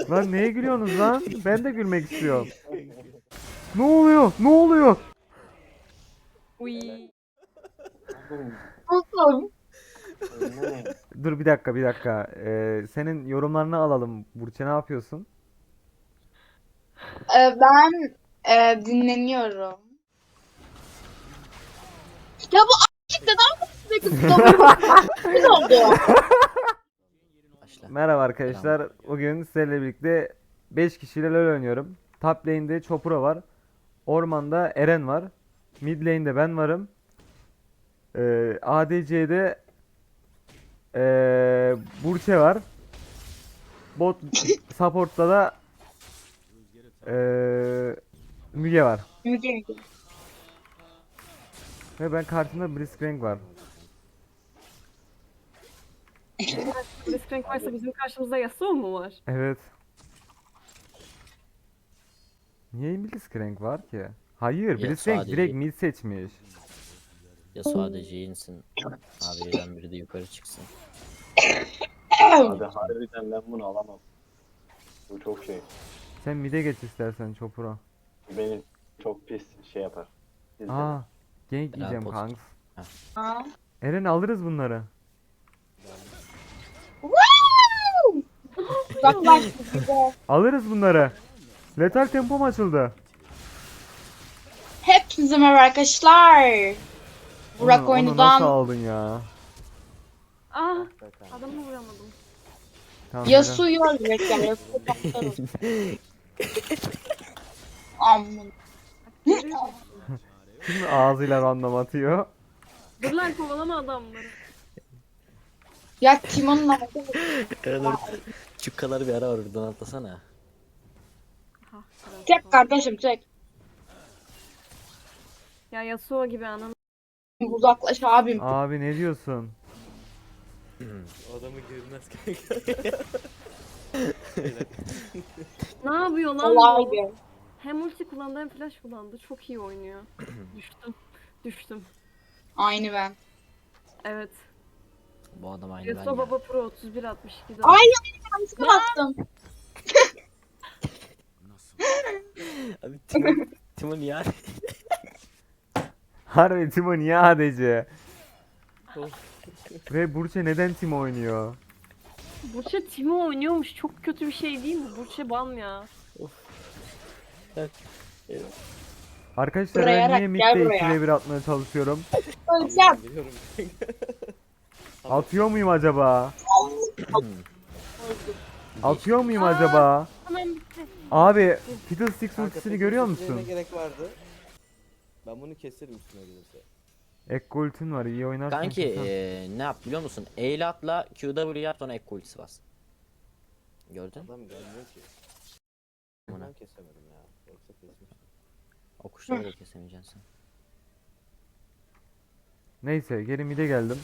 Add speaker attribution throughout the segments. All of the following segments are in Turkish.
Speaker 1: Lan neye gülüyorsunuz lan? Ben de gülmek istiyorum. Ne oluyor? Ne oluyor?
Speaker 2: Uy.
Speaker 3: Oğlum,
Speaker 1: Dur bir dakika bir dakika. Senin yorumlarını alalım. Burçe ne yapıyorsun?
Speaker 3: ben dinleniyorum. Ya bu a**lık neden sürekli tutamıyorum? Ne oldu?
Speaker 4: Başla.
Speaker 1: Merhaba arkadaşlar. Bugün sizlerle birlikte 5 kişiyle LoL oynuyorum. Top lane'de Chopra var. Ormanda Eren var. Mid lane'de ben varım. ADC'de Burçe var. Bot support'ta da Müge var.
Speaker 3: Müge Müge.
Speaker 1: Ve ben karşımda Blitzcrank var.
Speaker 2: Blitzcrank varsa bizim karşımızda Yasuo mu var?
Speaker 1: Evet. Niye Blitzcrank var ki? Hayır,
Speaker 4: Ya
Speaker 1: Blitzcrank
Speaker 4: sadece-
Speaker 1: direkt mid seçmiş.
Speaker 4: Ya sadece insin. Abi birden biri de yukarı çıksın.
Speaker 5: Abi harbiden ben bunu alamam. Bu çok şey.
Speaker 1: Sen mid'e geç istersen Chopra.
Speaker 5: Beni çok pis şey yapar. İzle.
Speaker 1: Aa, gank
Speaker 4: Ya,
Speaker 1: yiyeceğim
Speaker 4: post.
Speaker 1: kanks.
Speaker 3: Ha.
Speaker 1: Eren alırız bunları.
Speaker 3: Woo! Uzaklaş bize.
Speaker 1: Alırız bunları. Letal tempom açıldı.
Speaker 3: Hepinize merhaba arkadaşlar. Burak
Speaker 1: Onu nasıl
Speaker 3: oyundan
Speaker 1: aldın ya?
Speaker 2: Ah, adamı vuramadım.
Speaker 1: Tamam,
Speaker 3: Yasuo'yu öldürecek yani. Yasuo patlarım. Aman.
Speaker 2: Görüyor musun?
Speaker 1: Eren şimdi ağzıyla random atıyor.
Speaker 2: Dur lan kovalama adamları.
Speaker 3: Ya Timon'un ağzı
Speaker 4: Çukkaları bir ara var oradan atlasana.
Speaker 2: Ha,
Speaker 3: Çek kardeşim çek.
Speaker 2: Ya Yasuo gibi ananı.
Speaker 3: Uzaklaş abim.
Speaker 1: Abi ne diyorsun?
Speaker 4: Adamı görmez kanka.
Speaker 2: Ne yapıyor lan
Speaker 3: Kolay
Speaker 2: bu?
Speaker 3: bir.
Speaker 2: Hem ulti kullandı hem flash kullandı. Çok iyi oynuyor. Düştüm. Düştüm.
Speaker 3: Aynı ben.
Speaker 2: Evet.
Speaker 4: Bu adam aynı ben
Speaker 2: Yasuo
Speaker 4: ya.
Speaker 2: Baba Pro 31-62
Speaker 3: Ay yanlışlıkla bastım.
Speaker 4: Abi Timon ya.
Speaker 1: Harbi Timo niye ADC? Ve Burçe neden Timo oynuyor?
Speaker 2: Burçe Timo oynuyormuş. Çok kötü bir şey değil mi? Burçe ban ya.
Speaker 1: Arkadaşlar
Speaker 3: Buraya
Speaker 1: ben niye
Speaker 3: rak, gel
Speaker 1: midde
Speaker 3: buraya.
Speaker 1: 2v1 atmaya çalışıyorum?
Speaker 3: Öleceğim.
Speaker 1: Atıyor muyum acaba? Atıyor muyum acaba?
Speaker 2: Hemen bitti.
Speaker 1: Abi Fiddlesticks
Speaker 6: Kanka,
Speaker 1: ultisini
Speaker 6: peki
Speaker 1: görüyor
Speaker 6: ultilerine
Speaker 1: musun?
Speaker 6: gerek vardı. Ben bunu keserim üstüne gelirse.
Speaker 1: Ekko ultin var, iyi oynarsan
Speaker 4: Kanki
Speaker 1: kesersin.
Speaker 4: ne yap biliyor musun? Eyle atla QW yap sonra ek ultisi bas. Gördün?
Speaker 6: Adam gelmiyor ki.
Speaker 4: Buna.
Speaker 6: Ben kesemedim ya. Yoksa kesmiştim.
Speaker 4: O kuşları da kesemeyeceksin sen.
Speaker 1: Neyse geri mid'e geldim.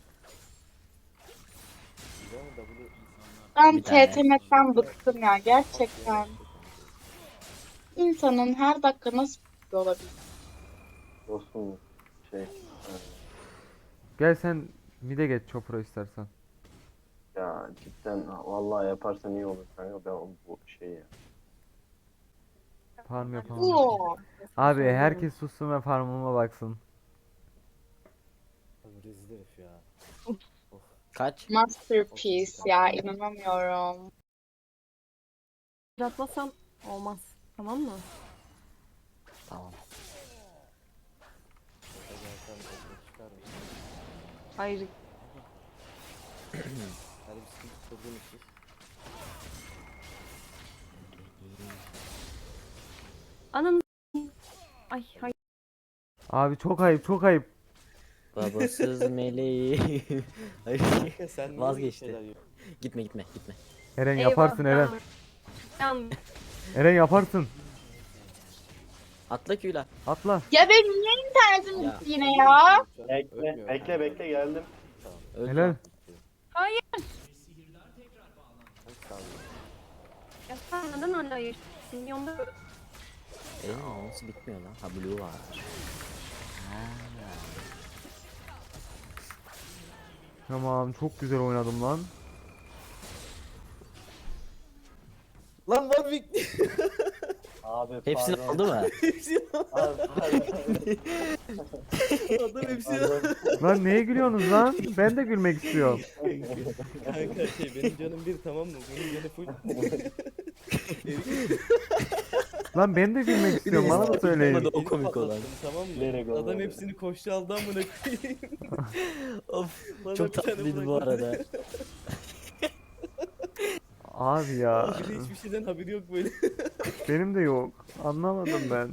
Speaker 6: Güzel mi W?
Speaker 3: Ben
Speaker 4: Bir tane.
Speaker 3: TTM'den bıktım ya gerçekten. İnsanın her dakika nasıl bıkıyor olabilir?
Speaker 5: Dostum şey.
Speaker 1: Gel sen mid'e geç Chopra istersen.
Speaker 5: Ya cidden vallahi yaparsan iyi olur kanka, ben bu şey ya.
Speaker 1: Farm yapamam.
Speaker 3: Oo.
Speaker 1: Abi herkes sussun ve farmıma baksın.
Speaker 6: Abi rezil herif ya.
Speaker 4: Kaç?
Speaker 3: Masterpiece ya inanamıyorum.
Speaker 2: Atlasam olmaz. Tamam mı?
Speaker 4: Tamam.
Speaker 6: Orada gelsem orada çıkar mı?
Speaker 2: Hayır.
Speaker 6: Hadi bir sıkıntı çözün siz.
Speaker 2: Ananı. Ay hayır.
Speaker 1: Abi çok ayıp çok ayıp.
Speaker 4: Babasız meleği. Hayır.
Speaker 6: Kanka sen niye
Speaker 4: Vazgeçti.
Speaker 6: böyle şeyler yapıyorsun?
Speaker 4: Gitme gitme gitme.
Speaker 1: Eren
Speaker 3: Eyvah,
Speaker 1: yaparsın Eren.
Speaker 2: Yan.
Speaker 1: Eren yaparsın.
Speaker 4: Atla Q'la.
Speaker 1: Atla.
Speaker 3: Ya benim niye internetim
Speaker 4: Ya.
Speaker 3: gitti yine ya?
Speaker 5: Bekle
Speaker 6: Ölmüyor
Speaker 5: bekle
Speaker 6: kanka.
Speaker 5: bekle geldim.
Speaker 4: Öldü
Speaker 1: Helal.
Speaker 4: lan.
Speaker 2: Hayır.
Speaker 6: Hadi sağ ol.
Speaker 2: Ya sen neden hala yaşıyorsun? Milyonda
Speaker 4: Nasıl bitmiyor lan? Ha blue var. Ha.
Speaker 1: Tamam çok güzel oynadım lan.
Speaker 6: Lan Warwick.
Speaker 5: Abi
Speaker 4: Hepsini
Speaker 5: pardon.
Speaker 4: aldı mı?
Speaker 6: Hepsini
Speaker 5: Abi pardon.
Speaker 6: adam hepsini
Speaker 1: Lan neye gülüyorsunuz lan? Ben de gülmek istiyorum.
Speaker 6: Kanka benim canım bir tamam mı? Bunun canı full. Erik
Speaker 1: Lan ben de gülmek istiyorum. Bana da söyleyin.
Speaker 4: O komik olan.
Speaker 6: patlattım, tamam mı?
Speaker 5: Bilerek
Speaker 6: Adam
Speaker 5: olmadı.
Speaker 6: hepsini koştu aldı amına koyayım.
Speaker 4: Of
Speaker 6: Bana
Speaker 4: çok
Speaker 6: bir tane
Speaker 4: tatlıydı bu
Speaker 6: bırakmadı.
Speaker 4: arada.
Speaker 6: Bir
Speaker 1: Abi ya.
Speaker 6: de hiçbir şeyden haberi yok böyle.
Speaker 1: Benim de yok. Anlamadım ben.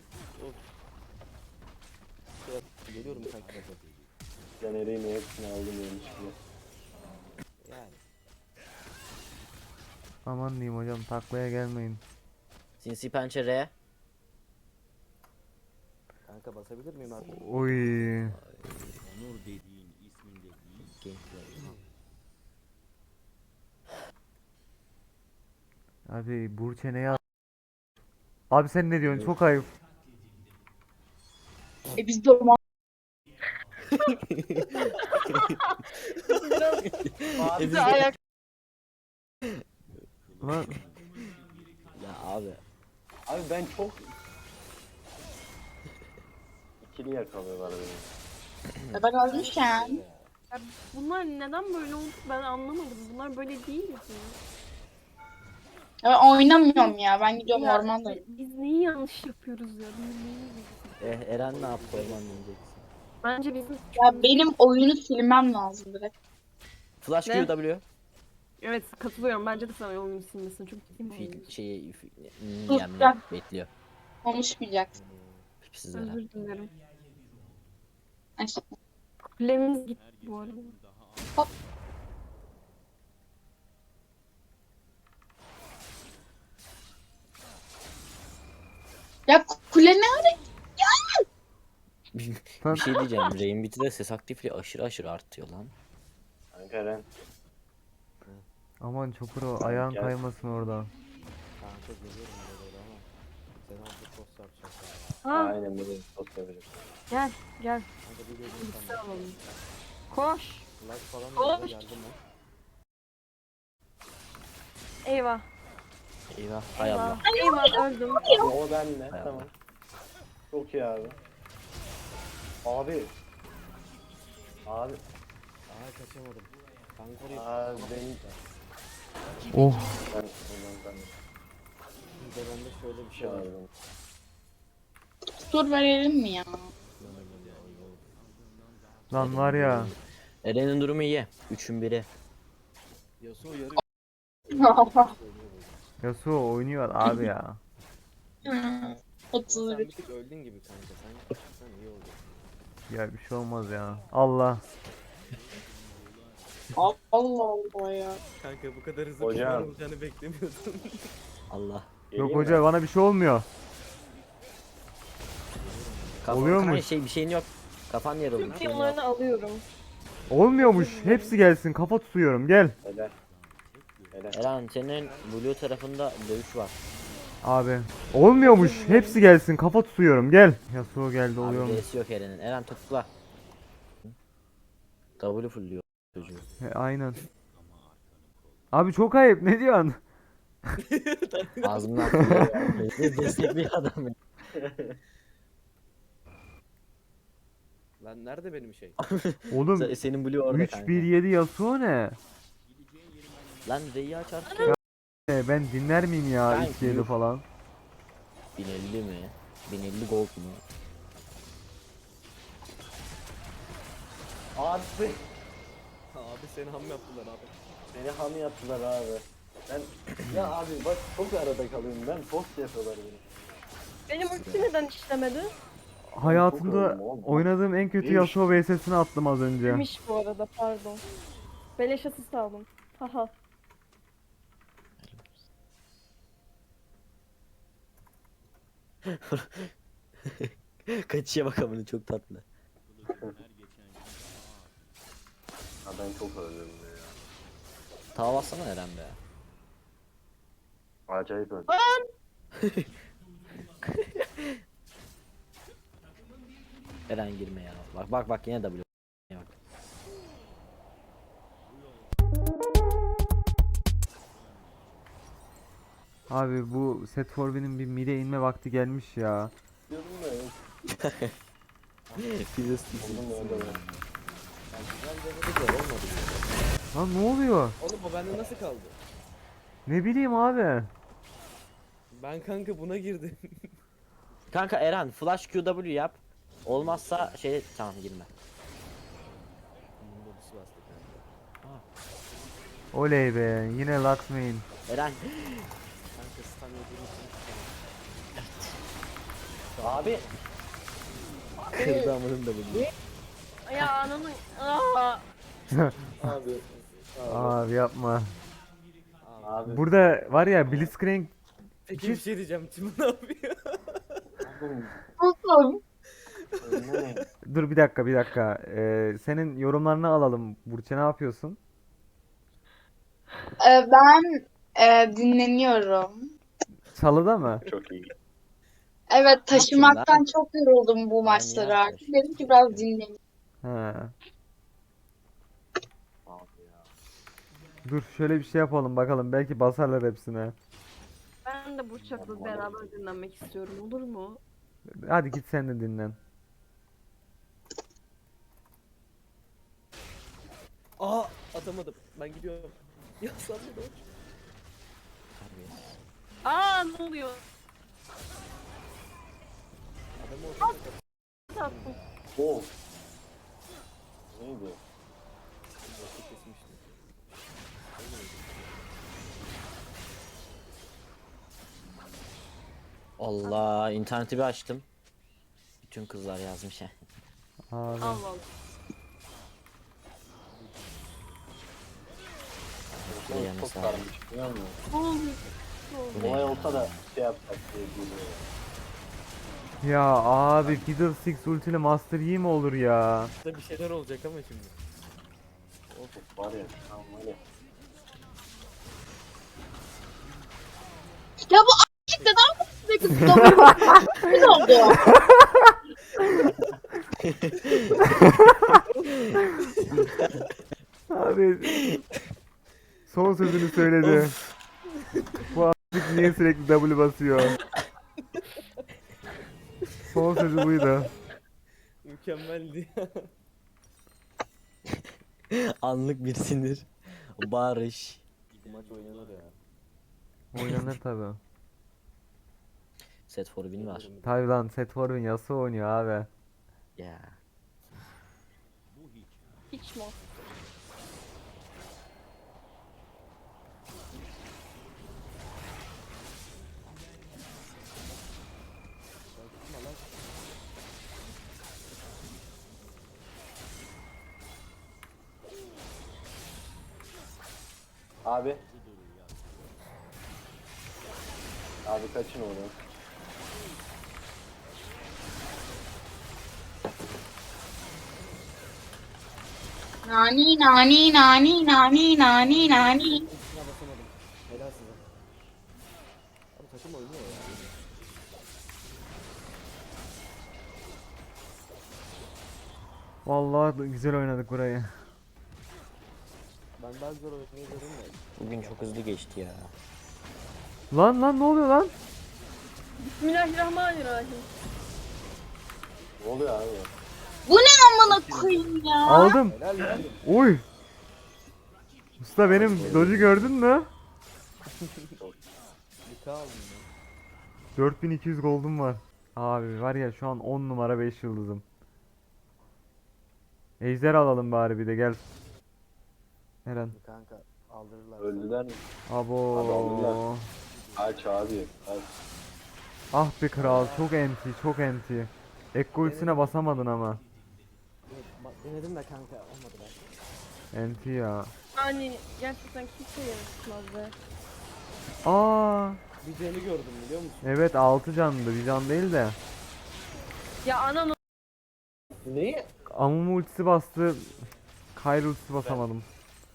Speaker 6: Geliyorum kanka bak.
Speaker 5: Caner'in hepsini aldım yanlışlıkla.
Speaker 6: Yani.
Speaker 1: Aman diyeyim hocam taklaya gelmeyin.
Speaker 4: Sinsi pençe R.
Speaker 6: Kanka basabilir miyim abi?
Speaker 1: Oy. Abi Burçe ne ya? Abi sen ne diyorsun? Çok ayıp.
Speaker 3: Biz de orman.
Speaker 4: Biz
Speaker 3: Ayak.
Speaker 1: Lan
Speaker 4: Ya abi.
Speaker 5: Abi ben çok... İkili yakalıyorlar beni.
Speaker 3: Ben ölmüşken.
Speaker 2: Ya bunlar neden böyle oldu ben anlamadım. Bunlar böyle değil mi?
Speaker 3: Ya oynamıyorum ya. Ben gidiyorum
Speaker 2: Ya,
Speaker 3: ormanda.
Speaker 2: biz neyi yanlış yapıyoruz ya? Biz neyi yanlış-
Speaker 4: Eren ne yaptı orman diyeceksin.
Speaker 2: Bence bizim
Speaker 3: Ya benim oyunu silmem lazım direkt.
Speaker 4: Flash
Speaker 2: Ne?
Speaker 4: QW.
Speaker 2: evet katılıyorum. Bence de sana oyunu silmesin. Çünkü kim
Speaker 4: Fil
Speaker 2: oynuyor?
Speaker 4: şeyi
Speaker 3: Dur,
Speaker 4: yemle
Speaker 3: gel.
Speaker 4: bekliyor.
Speaker 3: Konuşmayacaksın.
Speaker 4: Pipsiz Eren.
Speaker 2: Özür dilerim.
Speaker 3: Neyse.
Speaker 2: Kulemiz gitti bu arada.
Speaker 3: Ya kule ne ara?
Speaker 4: Bir şey diyeceğim. Rainbit'de ses aktifliği aşırı aşırı artıyor lan.
Speaker 5: Kanka Ren.
Speaker 1: aman Çopuro ayağın
Speaker 5: Gel.
Speaker 1: kaymasın orada.
Speaker 6: Kanka geliyorum orada ama. Sen orada post yapacaksın.
Speaker 2: Ha
Speaker 5: Aynen böyle post yapacak.
Speaker 2: gel gel.
Speaker 6: Kanka bir geleyim
Speaker 2: Birlikte
Speaker 6: sana.
Speaker 2: alalım. Koş.
Speaker 6: Like falan
Speaker 2: Koş.
Speaker 6: da geldim ben.
Speaker 2: Eyvah.
Speaker 4: Eyvah. Hay Allah.
Speaker 2: Eyvah. Eyvah öldüm.
Speaker 5: Abi o benle.
Speaker 4: Hay
Speaker 5: Tamam.
Speaker 4: Allah.
Speaker 5: Çok iyi abi. Abi. Abi.
Speaker 6: Aa kaçamadım. Kanka orayı
Speaker 5: Abi beni...
Speaker 1: Oh.
Speaker 5: Ben
Speaker 6: bir de bende şöyle bir şey
Speaker 5: şey
Speaker 6: var.
Speaker 5: aldım.
Speaker 3: Tur verelim mi ya?
Speaker 1: Lan var ya.
Speaker 4: Eren'in durumu iyi. 3'ün biri.
Speaker 6: Yasuo yarı
Speaker 1: Yasuo oynuyor abi ya.
Speaker 6: Sen
Speaker 3: 31.
Speaker 6: bir tık öldün gibi kanka. Sen iyi oldu.
Speaker 1: Ya bir şey olmaz ya. Allah.
Speaker 3: Allah Allah ya.
Speaker 6: Kanka bu kadar hızlı
Speaker 5: Hocam.
Speaker 6: kullanılacağını beklemiyordum.
Speaker 4: Allah.
Speaker 5: Geleyim
Speaker 1: Yok
Speaker 5: mi?
Speaker 1: hoca bana bir şey olmuyor. Oluyor
Speaker 4: Kanka
Speaker 1: mu?
Speaker 4: bir şeyin yok. Kafan yarıldı. bir şeyin yok.
Speaker 2: Onlarını alıyorum.
Speaker 1: Olmuyormuş. Hepsi gelsin. Kafa tutuyorum. Gel.
Speaker 5: Helal. Helal.
Speaker 4: Eren senin blue tarafında dövüş var.
Speaker 1: Abi. Olmuyormuş. Hepsi gelsin. Kafa tutuyorum. Gel. Yasuo geldi
Speaker 4: Abi
Speaker 1: oluyor mu?
Speaker 4: D'si yok Eren'in. Eren topla. W fullüyor çocuğu.
Speaker 1: Aynen. Abi çok ayıp. Ne diyorsun?
Speaker 4: Ağzımdan fullüyor. Destekliyor adam. ya.
Speaker 6: Lan nerede benim şey?
Speaker 1: Oğlum
Speaker 4: Senin blue orada kanka.
Speaker 1: 3-1-7 Yasuo ne?
Speaker 4: Lan R'yi açarsın.
Speaker 1: Ben dinler miyim ya
Speaker 4: Ben
Speaker 1: 2-7
Speaker 4: yok.
Speaker 1: falan?
Speaker 4: 1050 mi? 1050 gold mu?
Speaker 5: Abi.
Speaker 6: Abi seni ham yaptılar abi.
Speaker 5: Beni ham yaptılar abi. Ben... Ya abi bak çok arada kalıyorum ben. Post yapıyorlar beni.
Speaker 2: Benim ulti neden işlemedi?
Speaker 1: Hayatımda
Speaker 5: yoruldum oğlum.
Speaker 1: oynadığım en kötü
Speaker 5: Neymiş?
Speaker 1: Yasuo VS'sini attım az önce.
Speaker 2: Demiş bu arada pardon. Beleş asist aldım. Haha.
Speaker 4: Kaçışa bak amına çok tatlı.
Speaker 5: Ha ben çok özledim ya.
Speaker 4: Tava bassana Eren be.
Speaker 5: Acayip öldüm.
Speaker 4: Eren girme ya. Bak yine W. Bak.
Speaker 1: Abi bu Set Forvin'in bir mide inme vakti gelmiş ya.
Speaker 5: Diyordum da yok.
Speaker 4: Fizz
Speaker 5: Oldum da öyle.
Speaker 6: Yani güzel denedi de olmadı.
Speaker 1: Lan ne oluyor?
Speaker 6: Oğlum o bende nasıl kaldı?
Speaker 1: Ne bileyim abi.
Speaker 6: Ben kanka buna girdim.
Speaker 4: Kanka Eren flash QW yap. Olmazsa şey tamam girme.
Speaker 6: Modus bastı kanka.
Speaker 1: Oley be yine Lux main.
Speaker 4: Eren
Speaker 6: Kanka stun yediğim için
Speaker 4: abi
Speaker 6: kırdı amının da bunu.
Speaker 2: Ya ananın. Aa!
Speaker 5: Abi.
Speaker 1: Abi yapma.
Speaker 5: Abi.
Speaker 1: Burada var ya Blitzcrank
Speaker 6: Peki bir şey diyeceğim. Tim ne yapıyor?
Speaker 5: Oğlum. Ne?
Speaker 1: dur bir dakika bir dakika. Senin yorumlarını alalım. Burçe ne yapıyorsun?
Speaker 3: Ben dinleniyorum.
Speaker 1: Çalıda mı?
Speaker 5: Çok iyi.
Speaker 3: Evet, taşımaktan
Speaker 4: lan?
Speaker 3: çok yoruldum bu
Speaker 4: Yani
Speaker 3: maçları artık.
Speaker 4: yaklaşık.
Speaker 3: Dedim ki biraz dinleneyim.
Speaker 1: Ha.
Speaker 5: Abi ya.
Speaker 1: Dur şöyle bir şey yapalım bakalım belki basarlar hepsine.
Speaker 2: Ben de Burçak'la beraber dinlenmek istiyorum. Olur mu?
Speaker 1: Hadi git sen de dinlen.
Speaker 6: Aa atamadım. Ben gidiyorum. Ya sen de dur.
Speaker 2: Aa ne oluyor?
Speaker 6: Adamı ortada
Speaker 2: Tatlım.
Speaker 5: Oh. Neydi?
Speaker 6: kapatı kesmiştim.
Speaker 4: Allah interneti bir açtım. Bütün kızlar yazmış he.
Speaker 1: Abi.
Speaker 2: Allah Allah.
Speaker 4: Şuraya yana
Speaker 5: Çok
Speaker 4: sağ.
Speaker 5: sarmış biliyor musun?
Speaker 2: Ne oluyor? Ne oluyor?
Speaker 5: Olay olsa da şey yapsak diye geliyor.
Speaker 1: Ya abi Fiddlesticks ultili Master Yi mi olur ya?
Speaker 6: Burada bir şeyler olacak ama şimdi.
Speaker 5: Of var ya. Tamam öyle.
Speaker 3: Ya bu a**cık neden bu sürekli tutamıyorum? Ne oldu?
Speaker 1: Abi son sözünü söyledi. Bu a**lık niye sürekli W basıyor? Son sözü buydu.
Speaker 6: Mükemmeldi.
Speaker 4: Anlık bir sinir. Barış.
Speaker 6: Bu maç oynanır ya.
Speaker 1: Oynanır tabi.
Speaker 4: Set for win var.
Speaker 1: Tabi lan Set Forwin Yasuo oynuyor abi.
Speaker 4: Ya.
Speaker 2: Hiç mi?
Speaker 5: Abi. Abi kaçın oradan.
Speaker 3: Nani nani nani nani nani nani.
Speaker 6: Üstüne basamadım. Helal size. Abi takım oynuyor ya.
Speaker 1: Vallahi güzel oynadık burayı.
Speaker 6: Ben daha zor oynayabilirim de.
Speaker 4: Bugün çok hızlı geçti ya.
Speaker 1: Lan ne oluyor lan?
Speaker 2: Bismillahirrahmanirrahim.
Speaker 5: Ne oluyor abi?
Speaker 3: Bu ne amına koyayım ya?
Speaker 1: Aldım.
Speaker 6: Helal lan.
Speaker 1: Uy. Usta benim dodge'u gördün mü?
Speaker 6: Bir K aldım ya.
Speaker 1: 4200 gold'um var. Abi var ya şu an 10 numara 5 yıldızım. Ejder alalım bari bir de gel. Eren.
Speaker 6: Kanka aldırırlar.
Speaker 5: Öldüler mi?
Speaker 1: Abo.
Speaker 5: Abi aldılar. Aç abi. Aç.
Speaker 1: Ah be kral çok enti çok enti. Ekko ultisine basamadın ama.
Speaker 6: Denedim de kanka olmadı belki.
Speaker 1: Enti ya.
Speaker 2: Yani gerçekten kimse yaratmaz be.
Speaker 1: Aa,
Speaker 6: Bir Jen'i gördüm biliyor musun?
Speaker 1: evet 6 canlı bir can değil de.
Speaker 2: Ya anan
Speaker 5: Neyi?
Speaker 1: Amumu ultisi bastı. Kayr ultisi basamadım.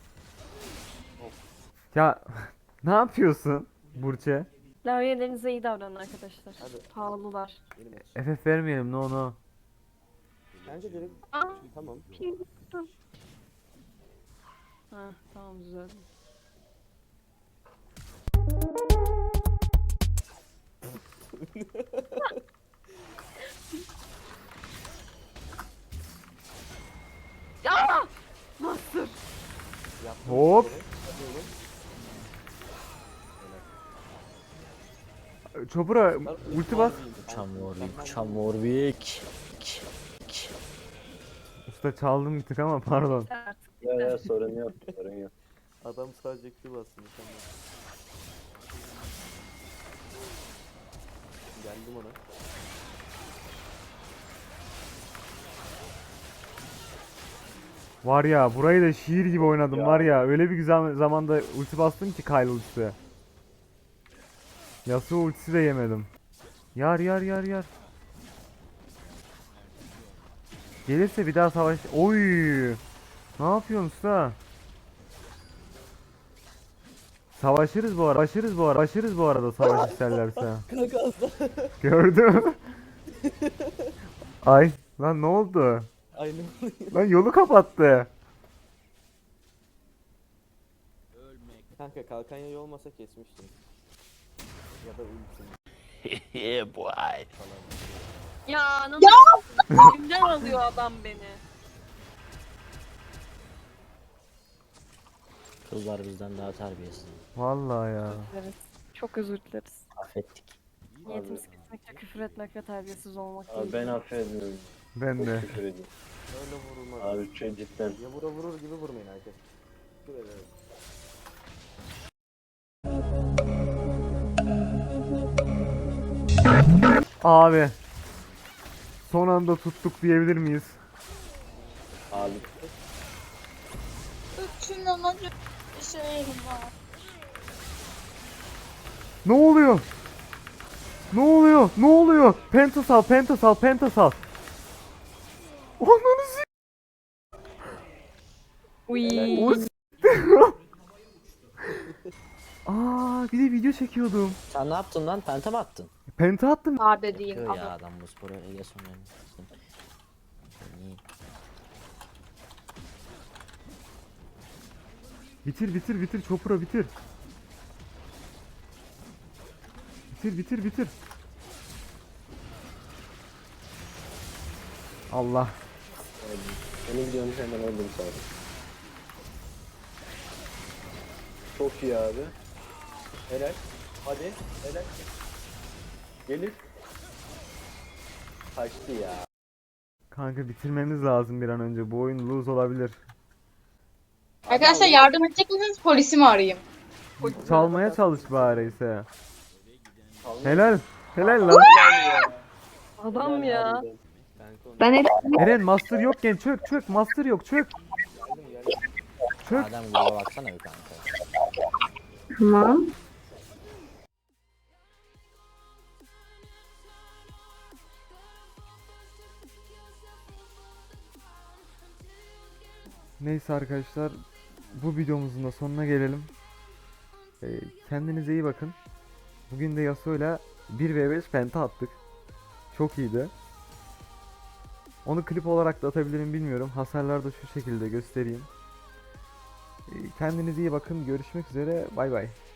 Speaker 1: Ya ne yapıyorsun Burçe?
Speaker 2: lavyelerinize iyi davranın arkadaşlar.
Speaker 6: Hadi.
Speaker 2: Pahalılar.
Speaker 6: Benim olsun.
Speaker 1: FF vermeyelim no.
Speaker 6: Bence direkt
Speaker 2: Aa,
Speaker 6: tamam.
Speaker 2: ha tamam düzeldim.
Speaker 1: Chopper'a ulti bas.
Speaker 4: Çamorvik.
Speaker 1: Usta çaldım bir tık ama pardon.
Speaker 2: Artık.
Speaker 5: Ya sorun yok. Sorun yok.
Speaker 6: Adam sadece Q bastı mükemmel. Geldim ona.
Speaker 1: Var ya burayı da şiir gibi oynadım
Speaker 5: Ya.
Speaker 1: var ya. Öyle bir güzel zamanda ulti bastım ki Kyle ultisi. Yasuo ultisi de yemedim. Yar yar yar yar. Gelirse bir daha savaş. Oy! Ne yapıyorsun usta? Savaşırız bu arada. Savaşırız bu arada savaş isterlerse.
Speaker 6: Kanka asla.
Speaker 1: Gördüm. Ay lan ne oldu?
Speaker 6: Aynı.
Speaker 1: Lan yolu kapattı.
Speaker 6: Kanka kalkan yayı olmasa kesmiştim. Ya da ultim.
Speaker 2: Ya nasıl? Elimden alıyor adam beni.
Speaker 4: Kızlar bizden daha terbiyesiz.
Speaker 1: Vallahi ya.
Speaker 2: Evet. Çok özür dileriz.
Speaker 4: Affettik.
Speaker 2: Niyetimiz kesinlikle küfür etmek ve terbiyesiz olmak
Speaker 5: Abi
Speaker 2: değil.
Speaker 5: ben affetmiyorum.
Speaker 1: Ben de.
Speaker 5: Küfür ediyorum.
Speaker 6: Öyle vurulmaz.
Speaker 5: Abi cidden.
Speaker 6: Ya vurur gibi vurmayın herkes. Küfür ederim.
Speaker 1: Abi. Son anda tuttuk diyebilir miyiz?
Speaker 5: Abi
Speaker 3: Üçünden önce bir şey var.
Speaker 1: Ne oluyor? Ne oluyor? Ne oluyor? Pentas al. Ananı s***.
Speaker 2: Uy.
Speaker 1: O s***. Aa, bir de video çekiyordum.
Speaker 4: Sen ne yaptın lan? Penta mı attın?
Speaker 1: Penta attım.
Speaker 3: Sade değil.
Speaker 4: Kör ya adam bu sporu ele sonra.
Speaker 1: Bitir Chopper'a bitir. Bitir. Allah.
Speaker 5: Seni biliyorum hemen öldüm sadece. Çok iyi abi. Helal. Hadi. Helal. Gelir. Kaçtı ya.
Speaker 1: Kanka bitirmemiz lazım bir an önce. Bu oyun lose olabilir.
Speaker 3: Arkadaşlar yardım edecek misiniz? Polisi mi arayayım?
Speaker 1: Çalmaya çalış bari ise.
Speaker 5: Kalmıyor.
Speaker 1: Helal lan.
Speaker 2: Adam ya.
Speaker 5: Harbiden.
Speaker 6: Kanka onu
Speaker 1: Eren master yokken çök. Master yok çök. Çök.
Speaker 4: Adam gruba baksana bir kanka.
Speaker 2: Tamam.
Speaker 1: Neyse arkadaşlar. Bu videomuzun da sonuna gelelim. Kendinize iyi bakın. Bugün de Yasuo'yla 1v5 penta attık. Çok iyiydi. Onu klip olarak da atabilirim bilmiyorum. Hasarları da şu şekilde göstereyim. Kendinize iyi bakın. Görüşmek üzere. Bay bay.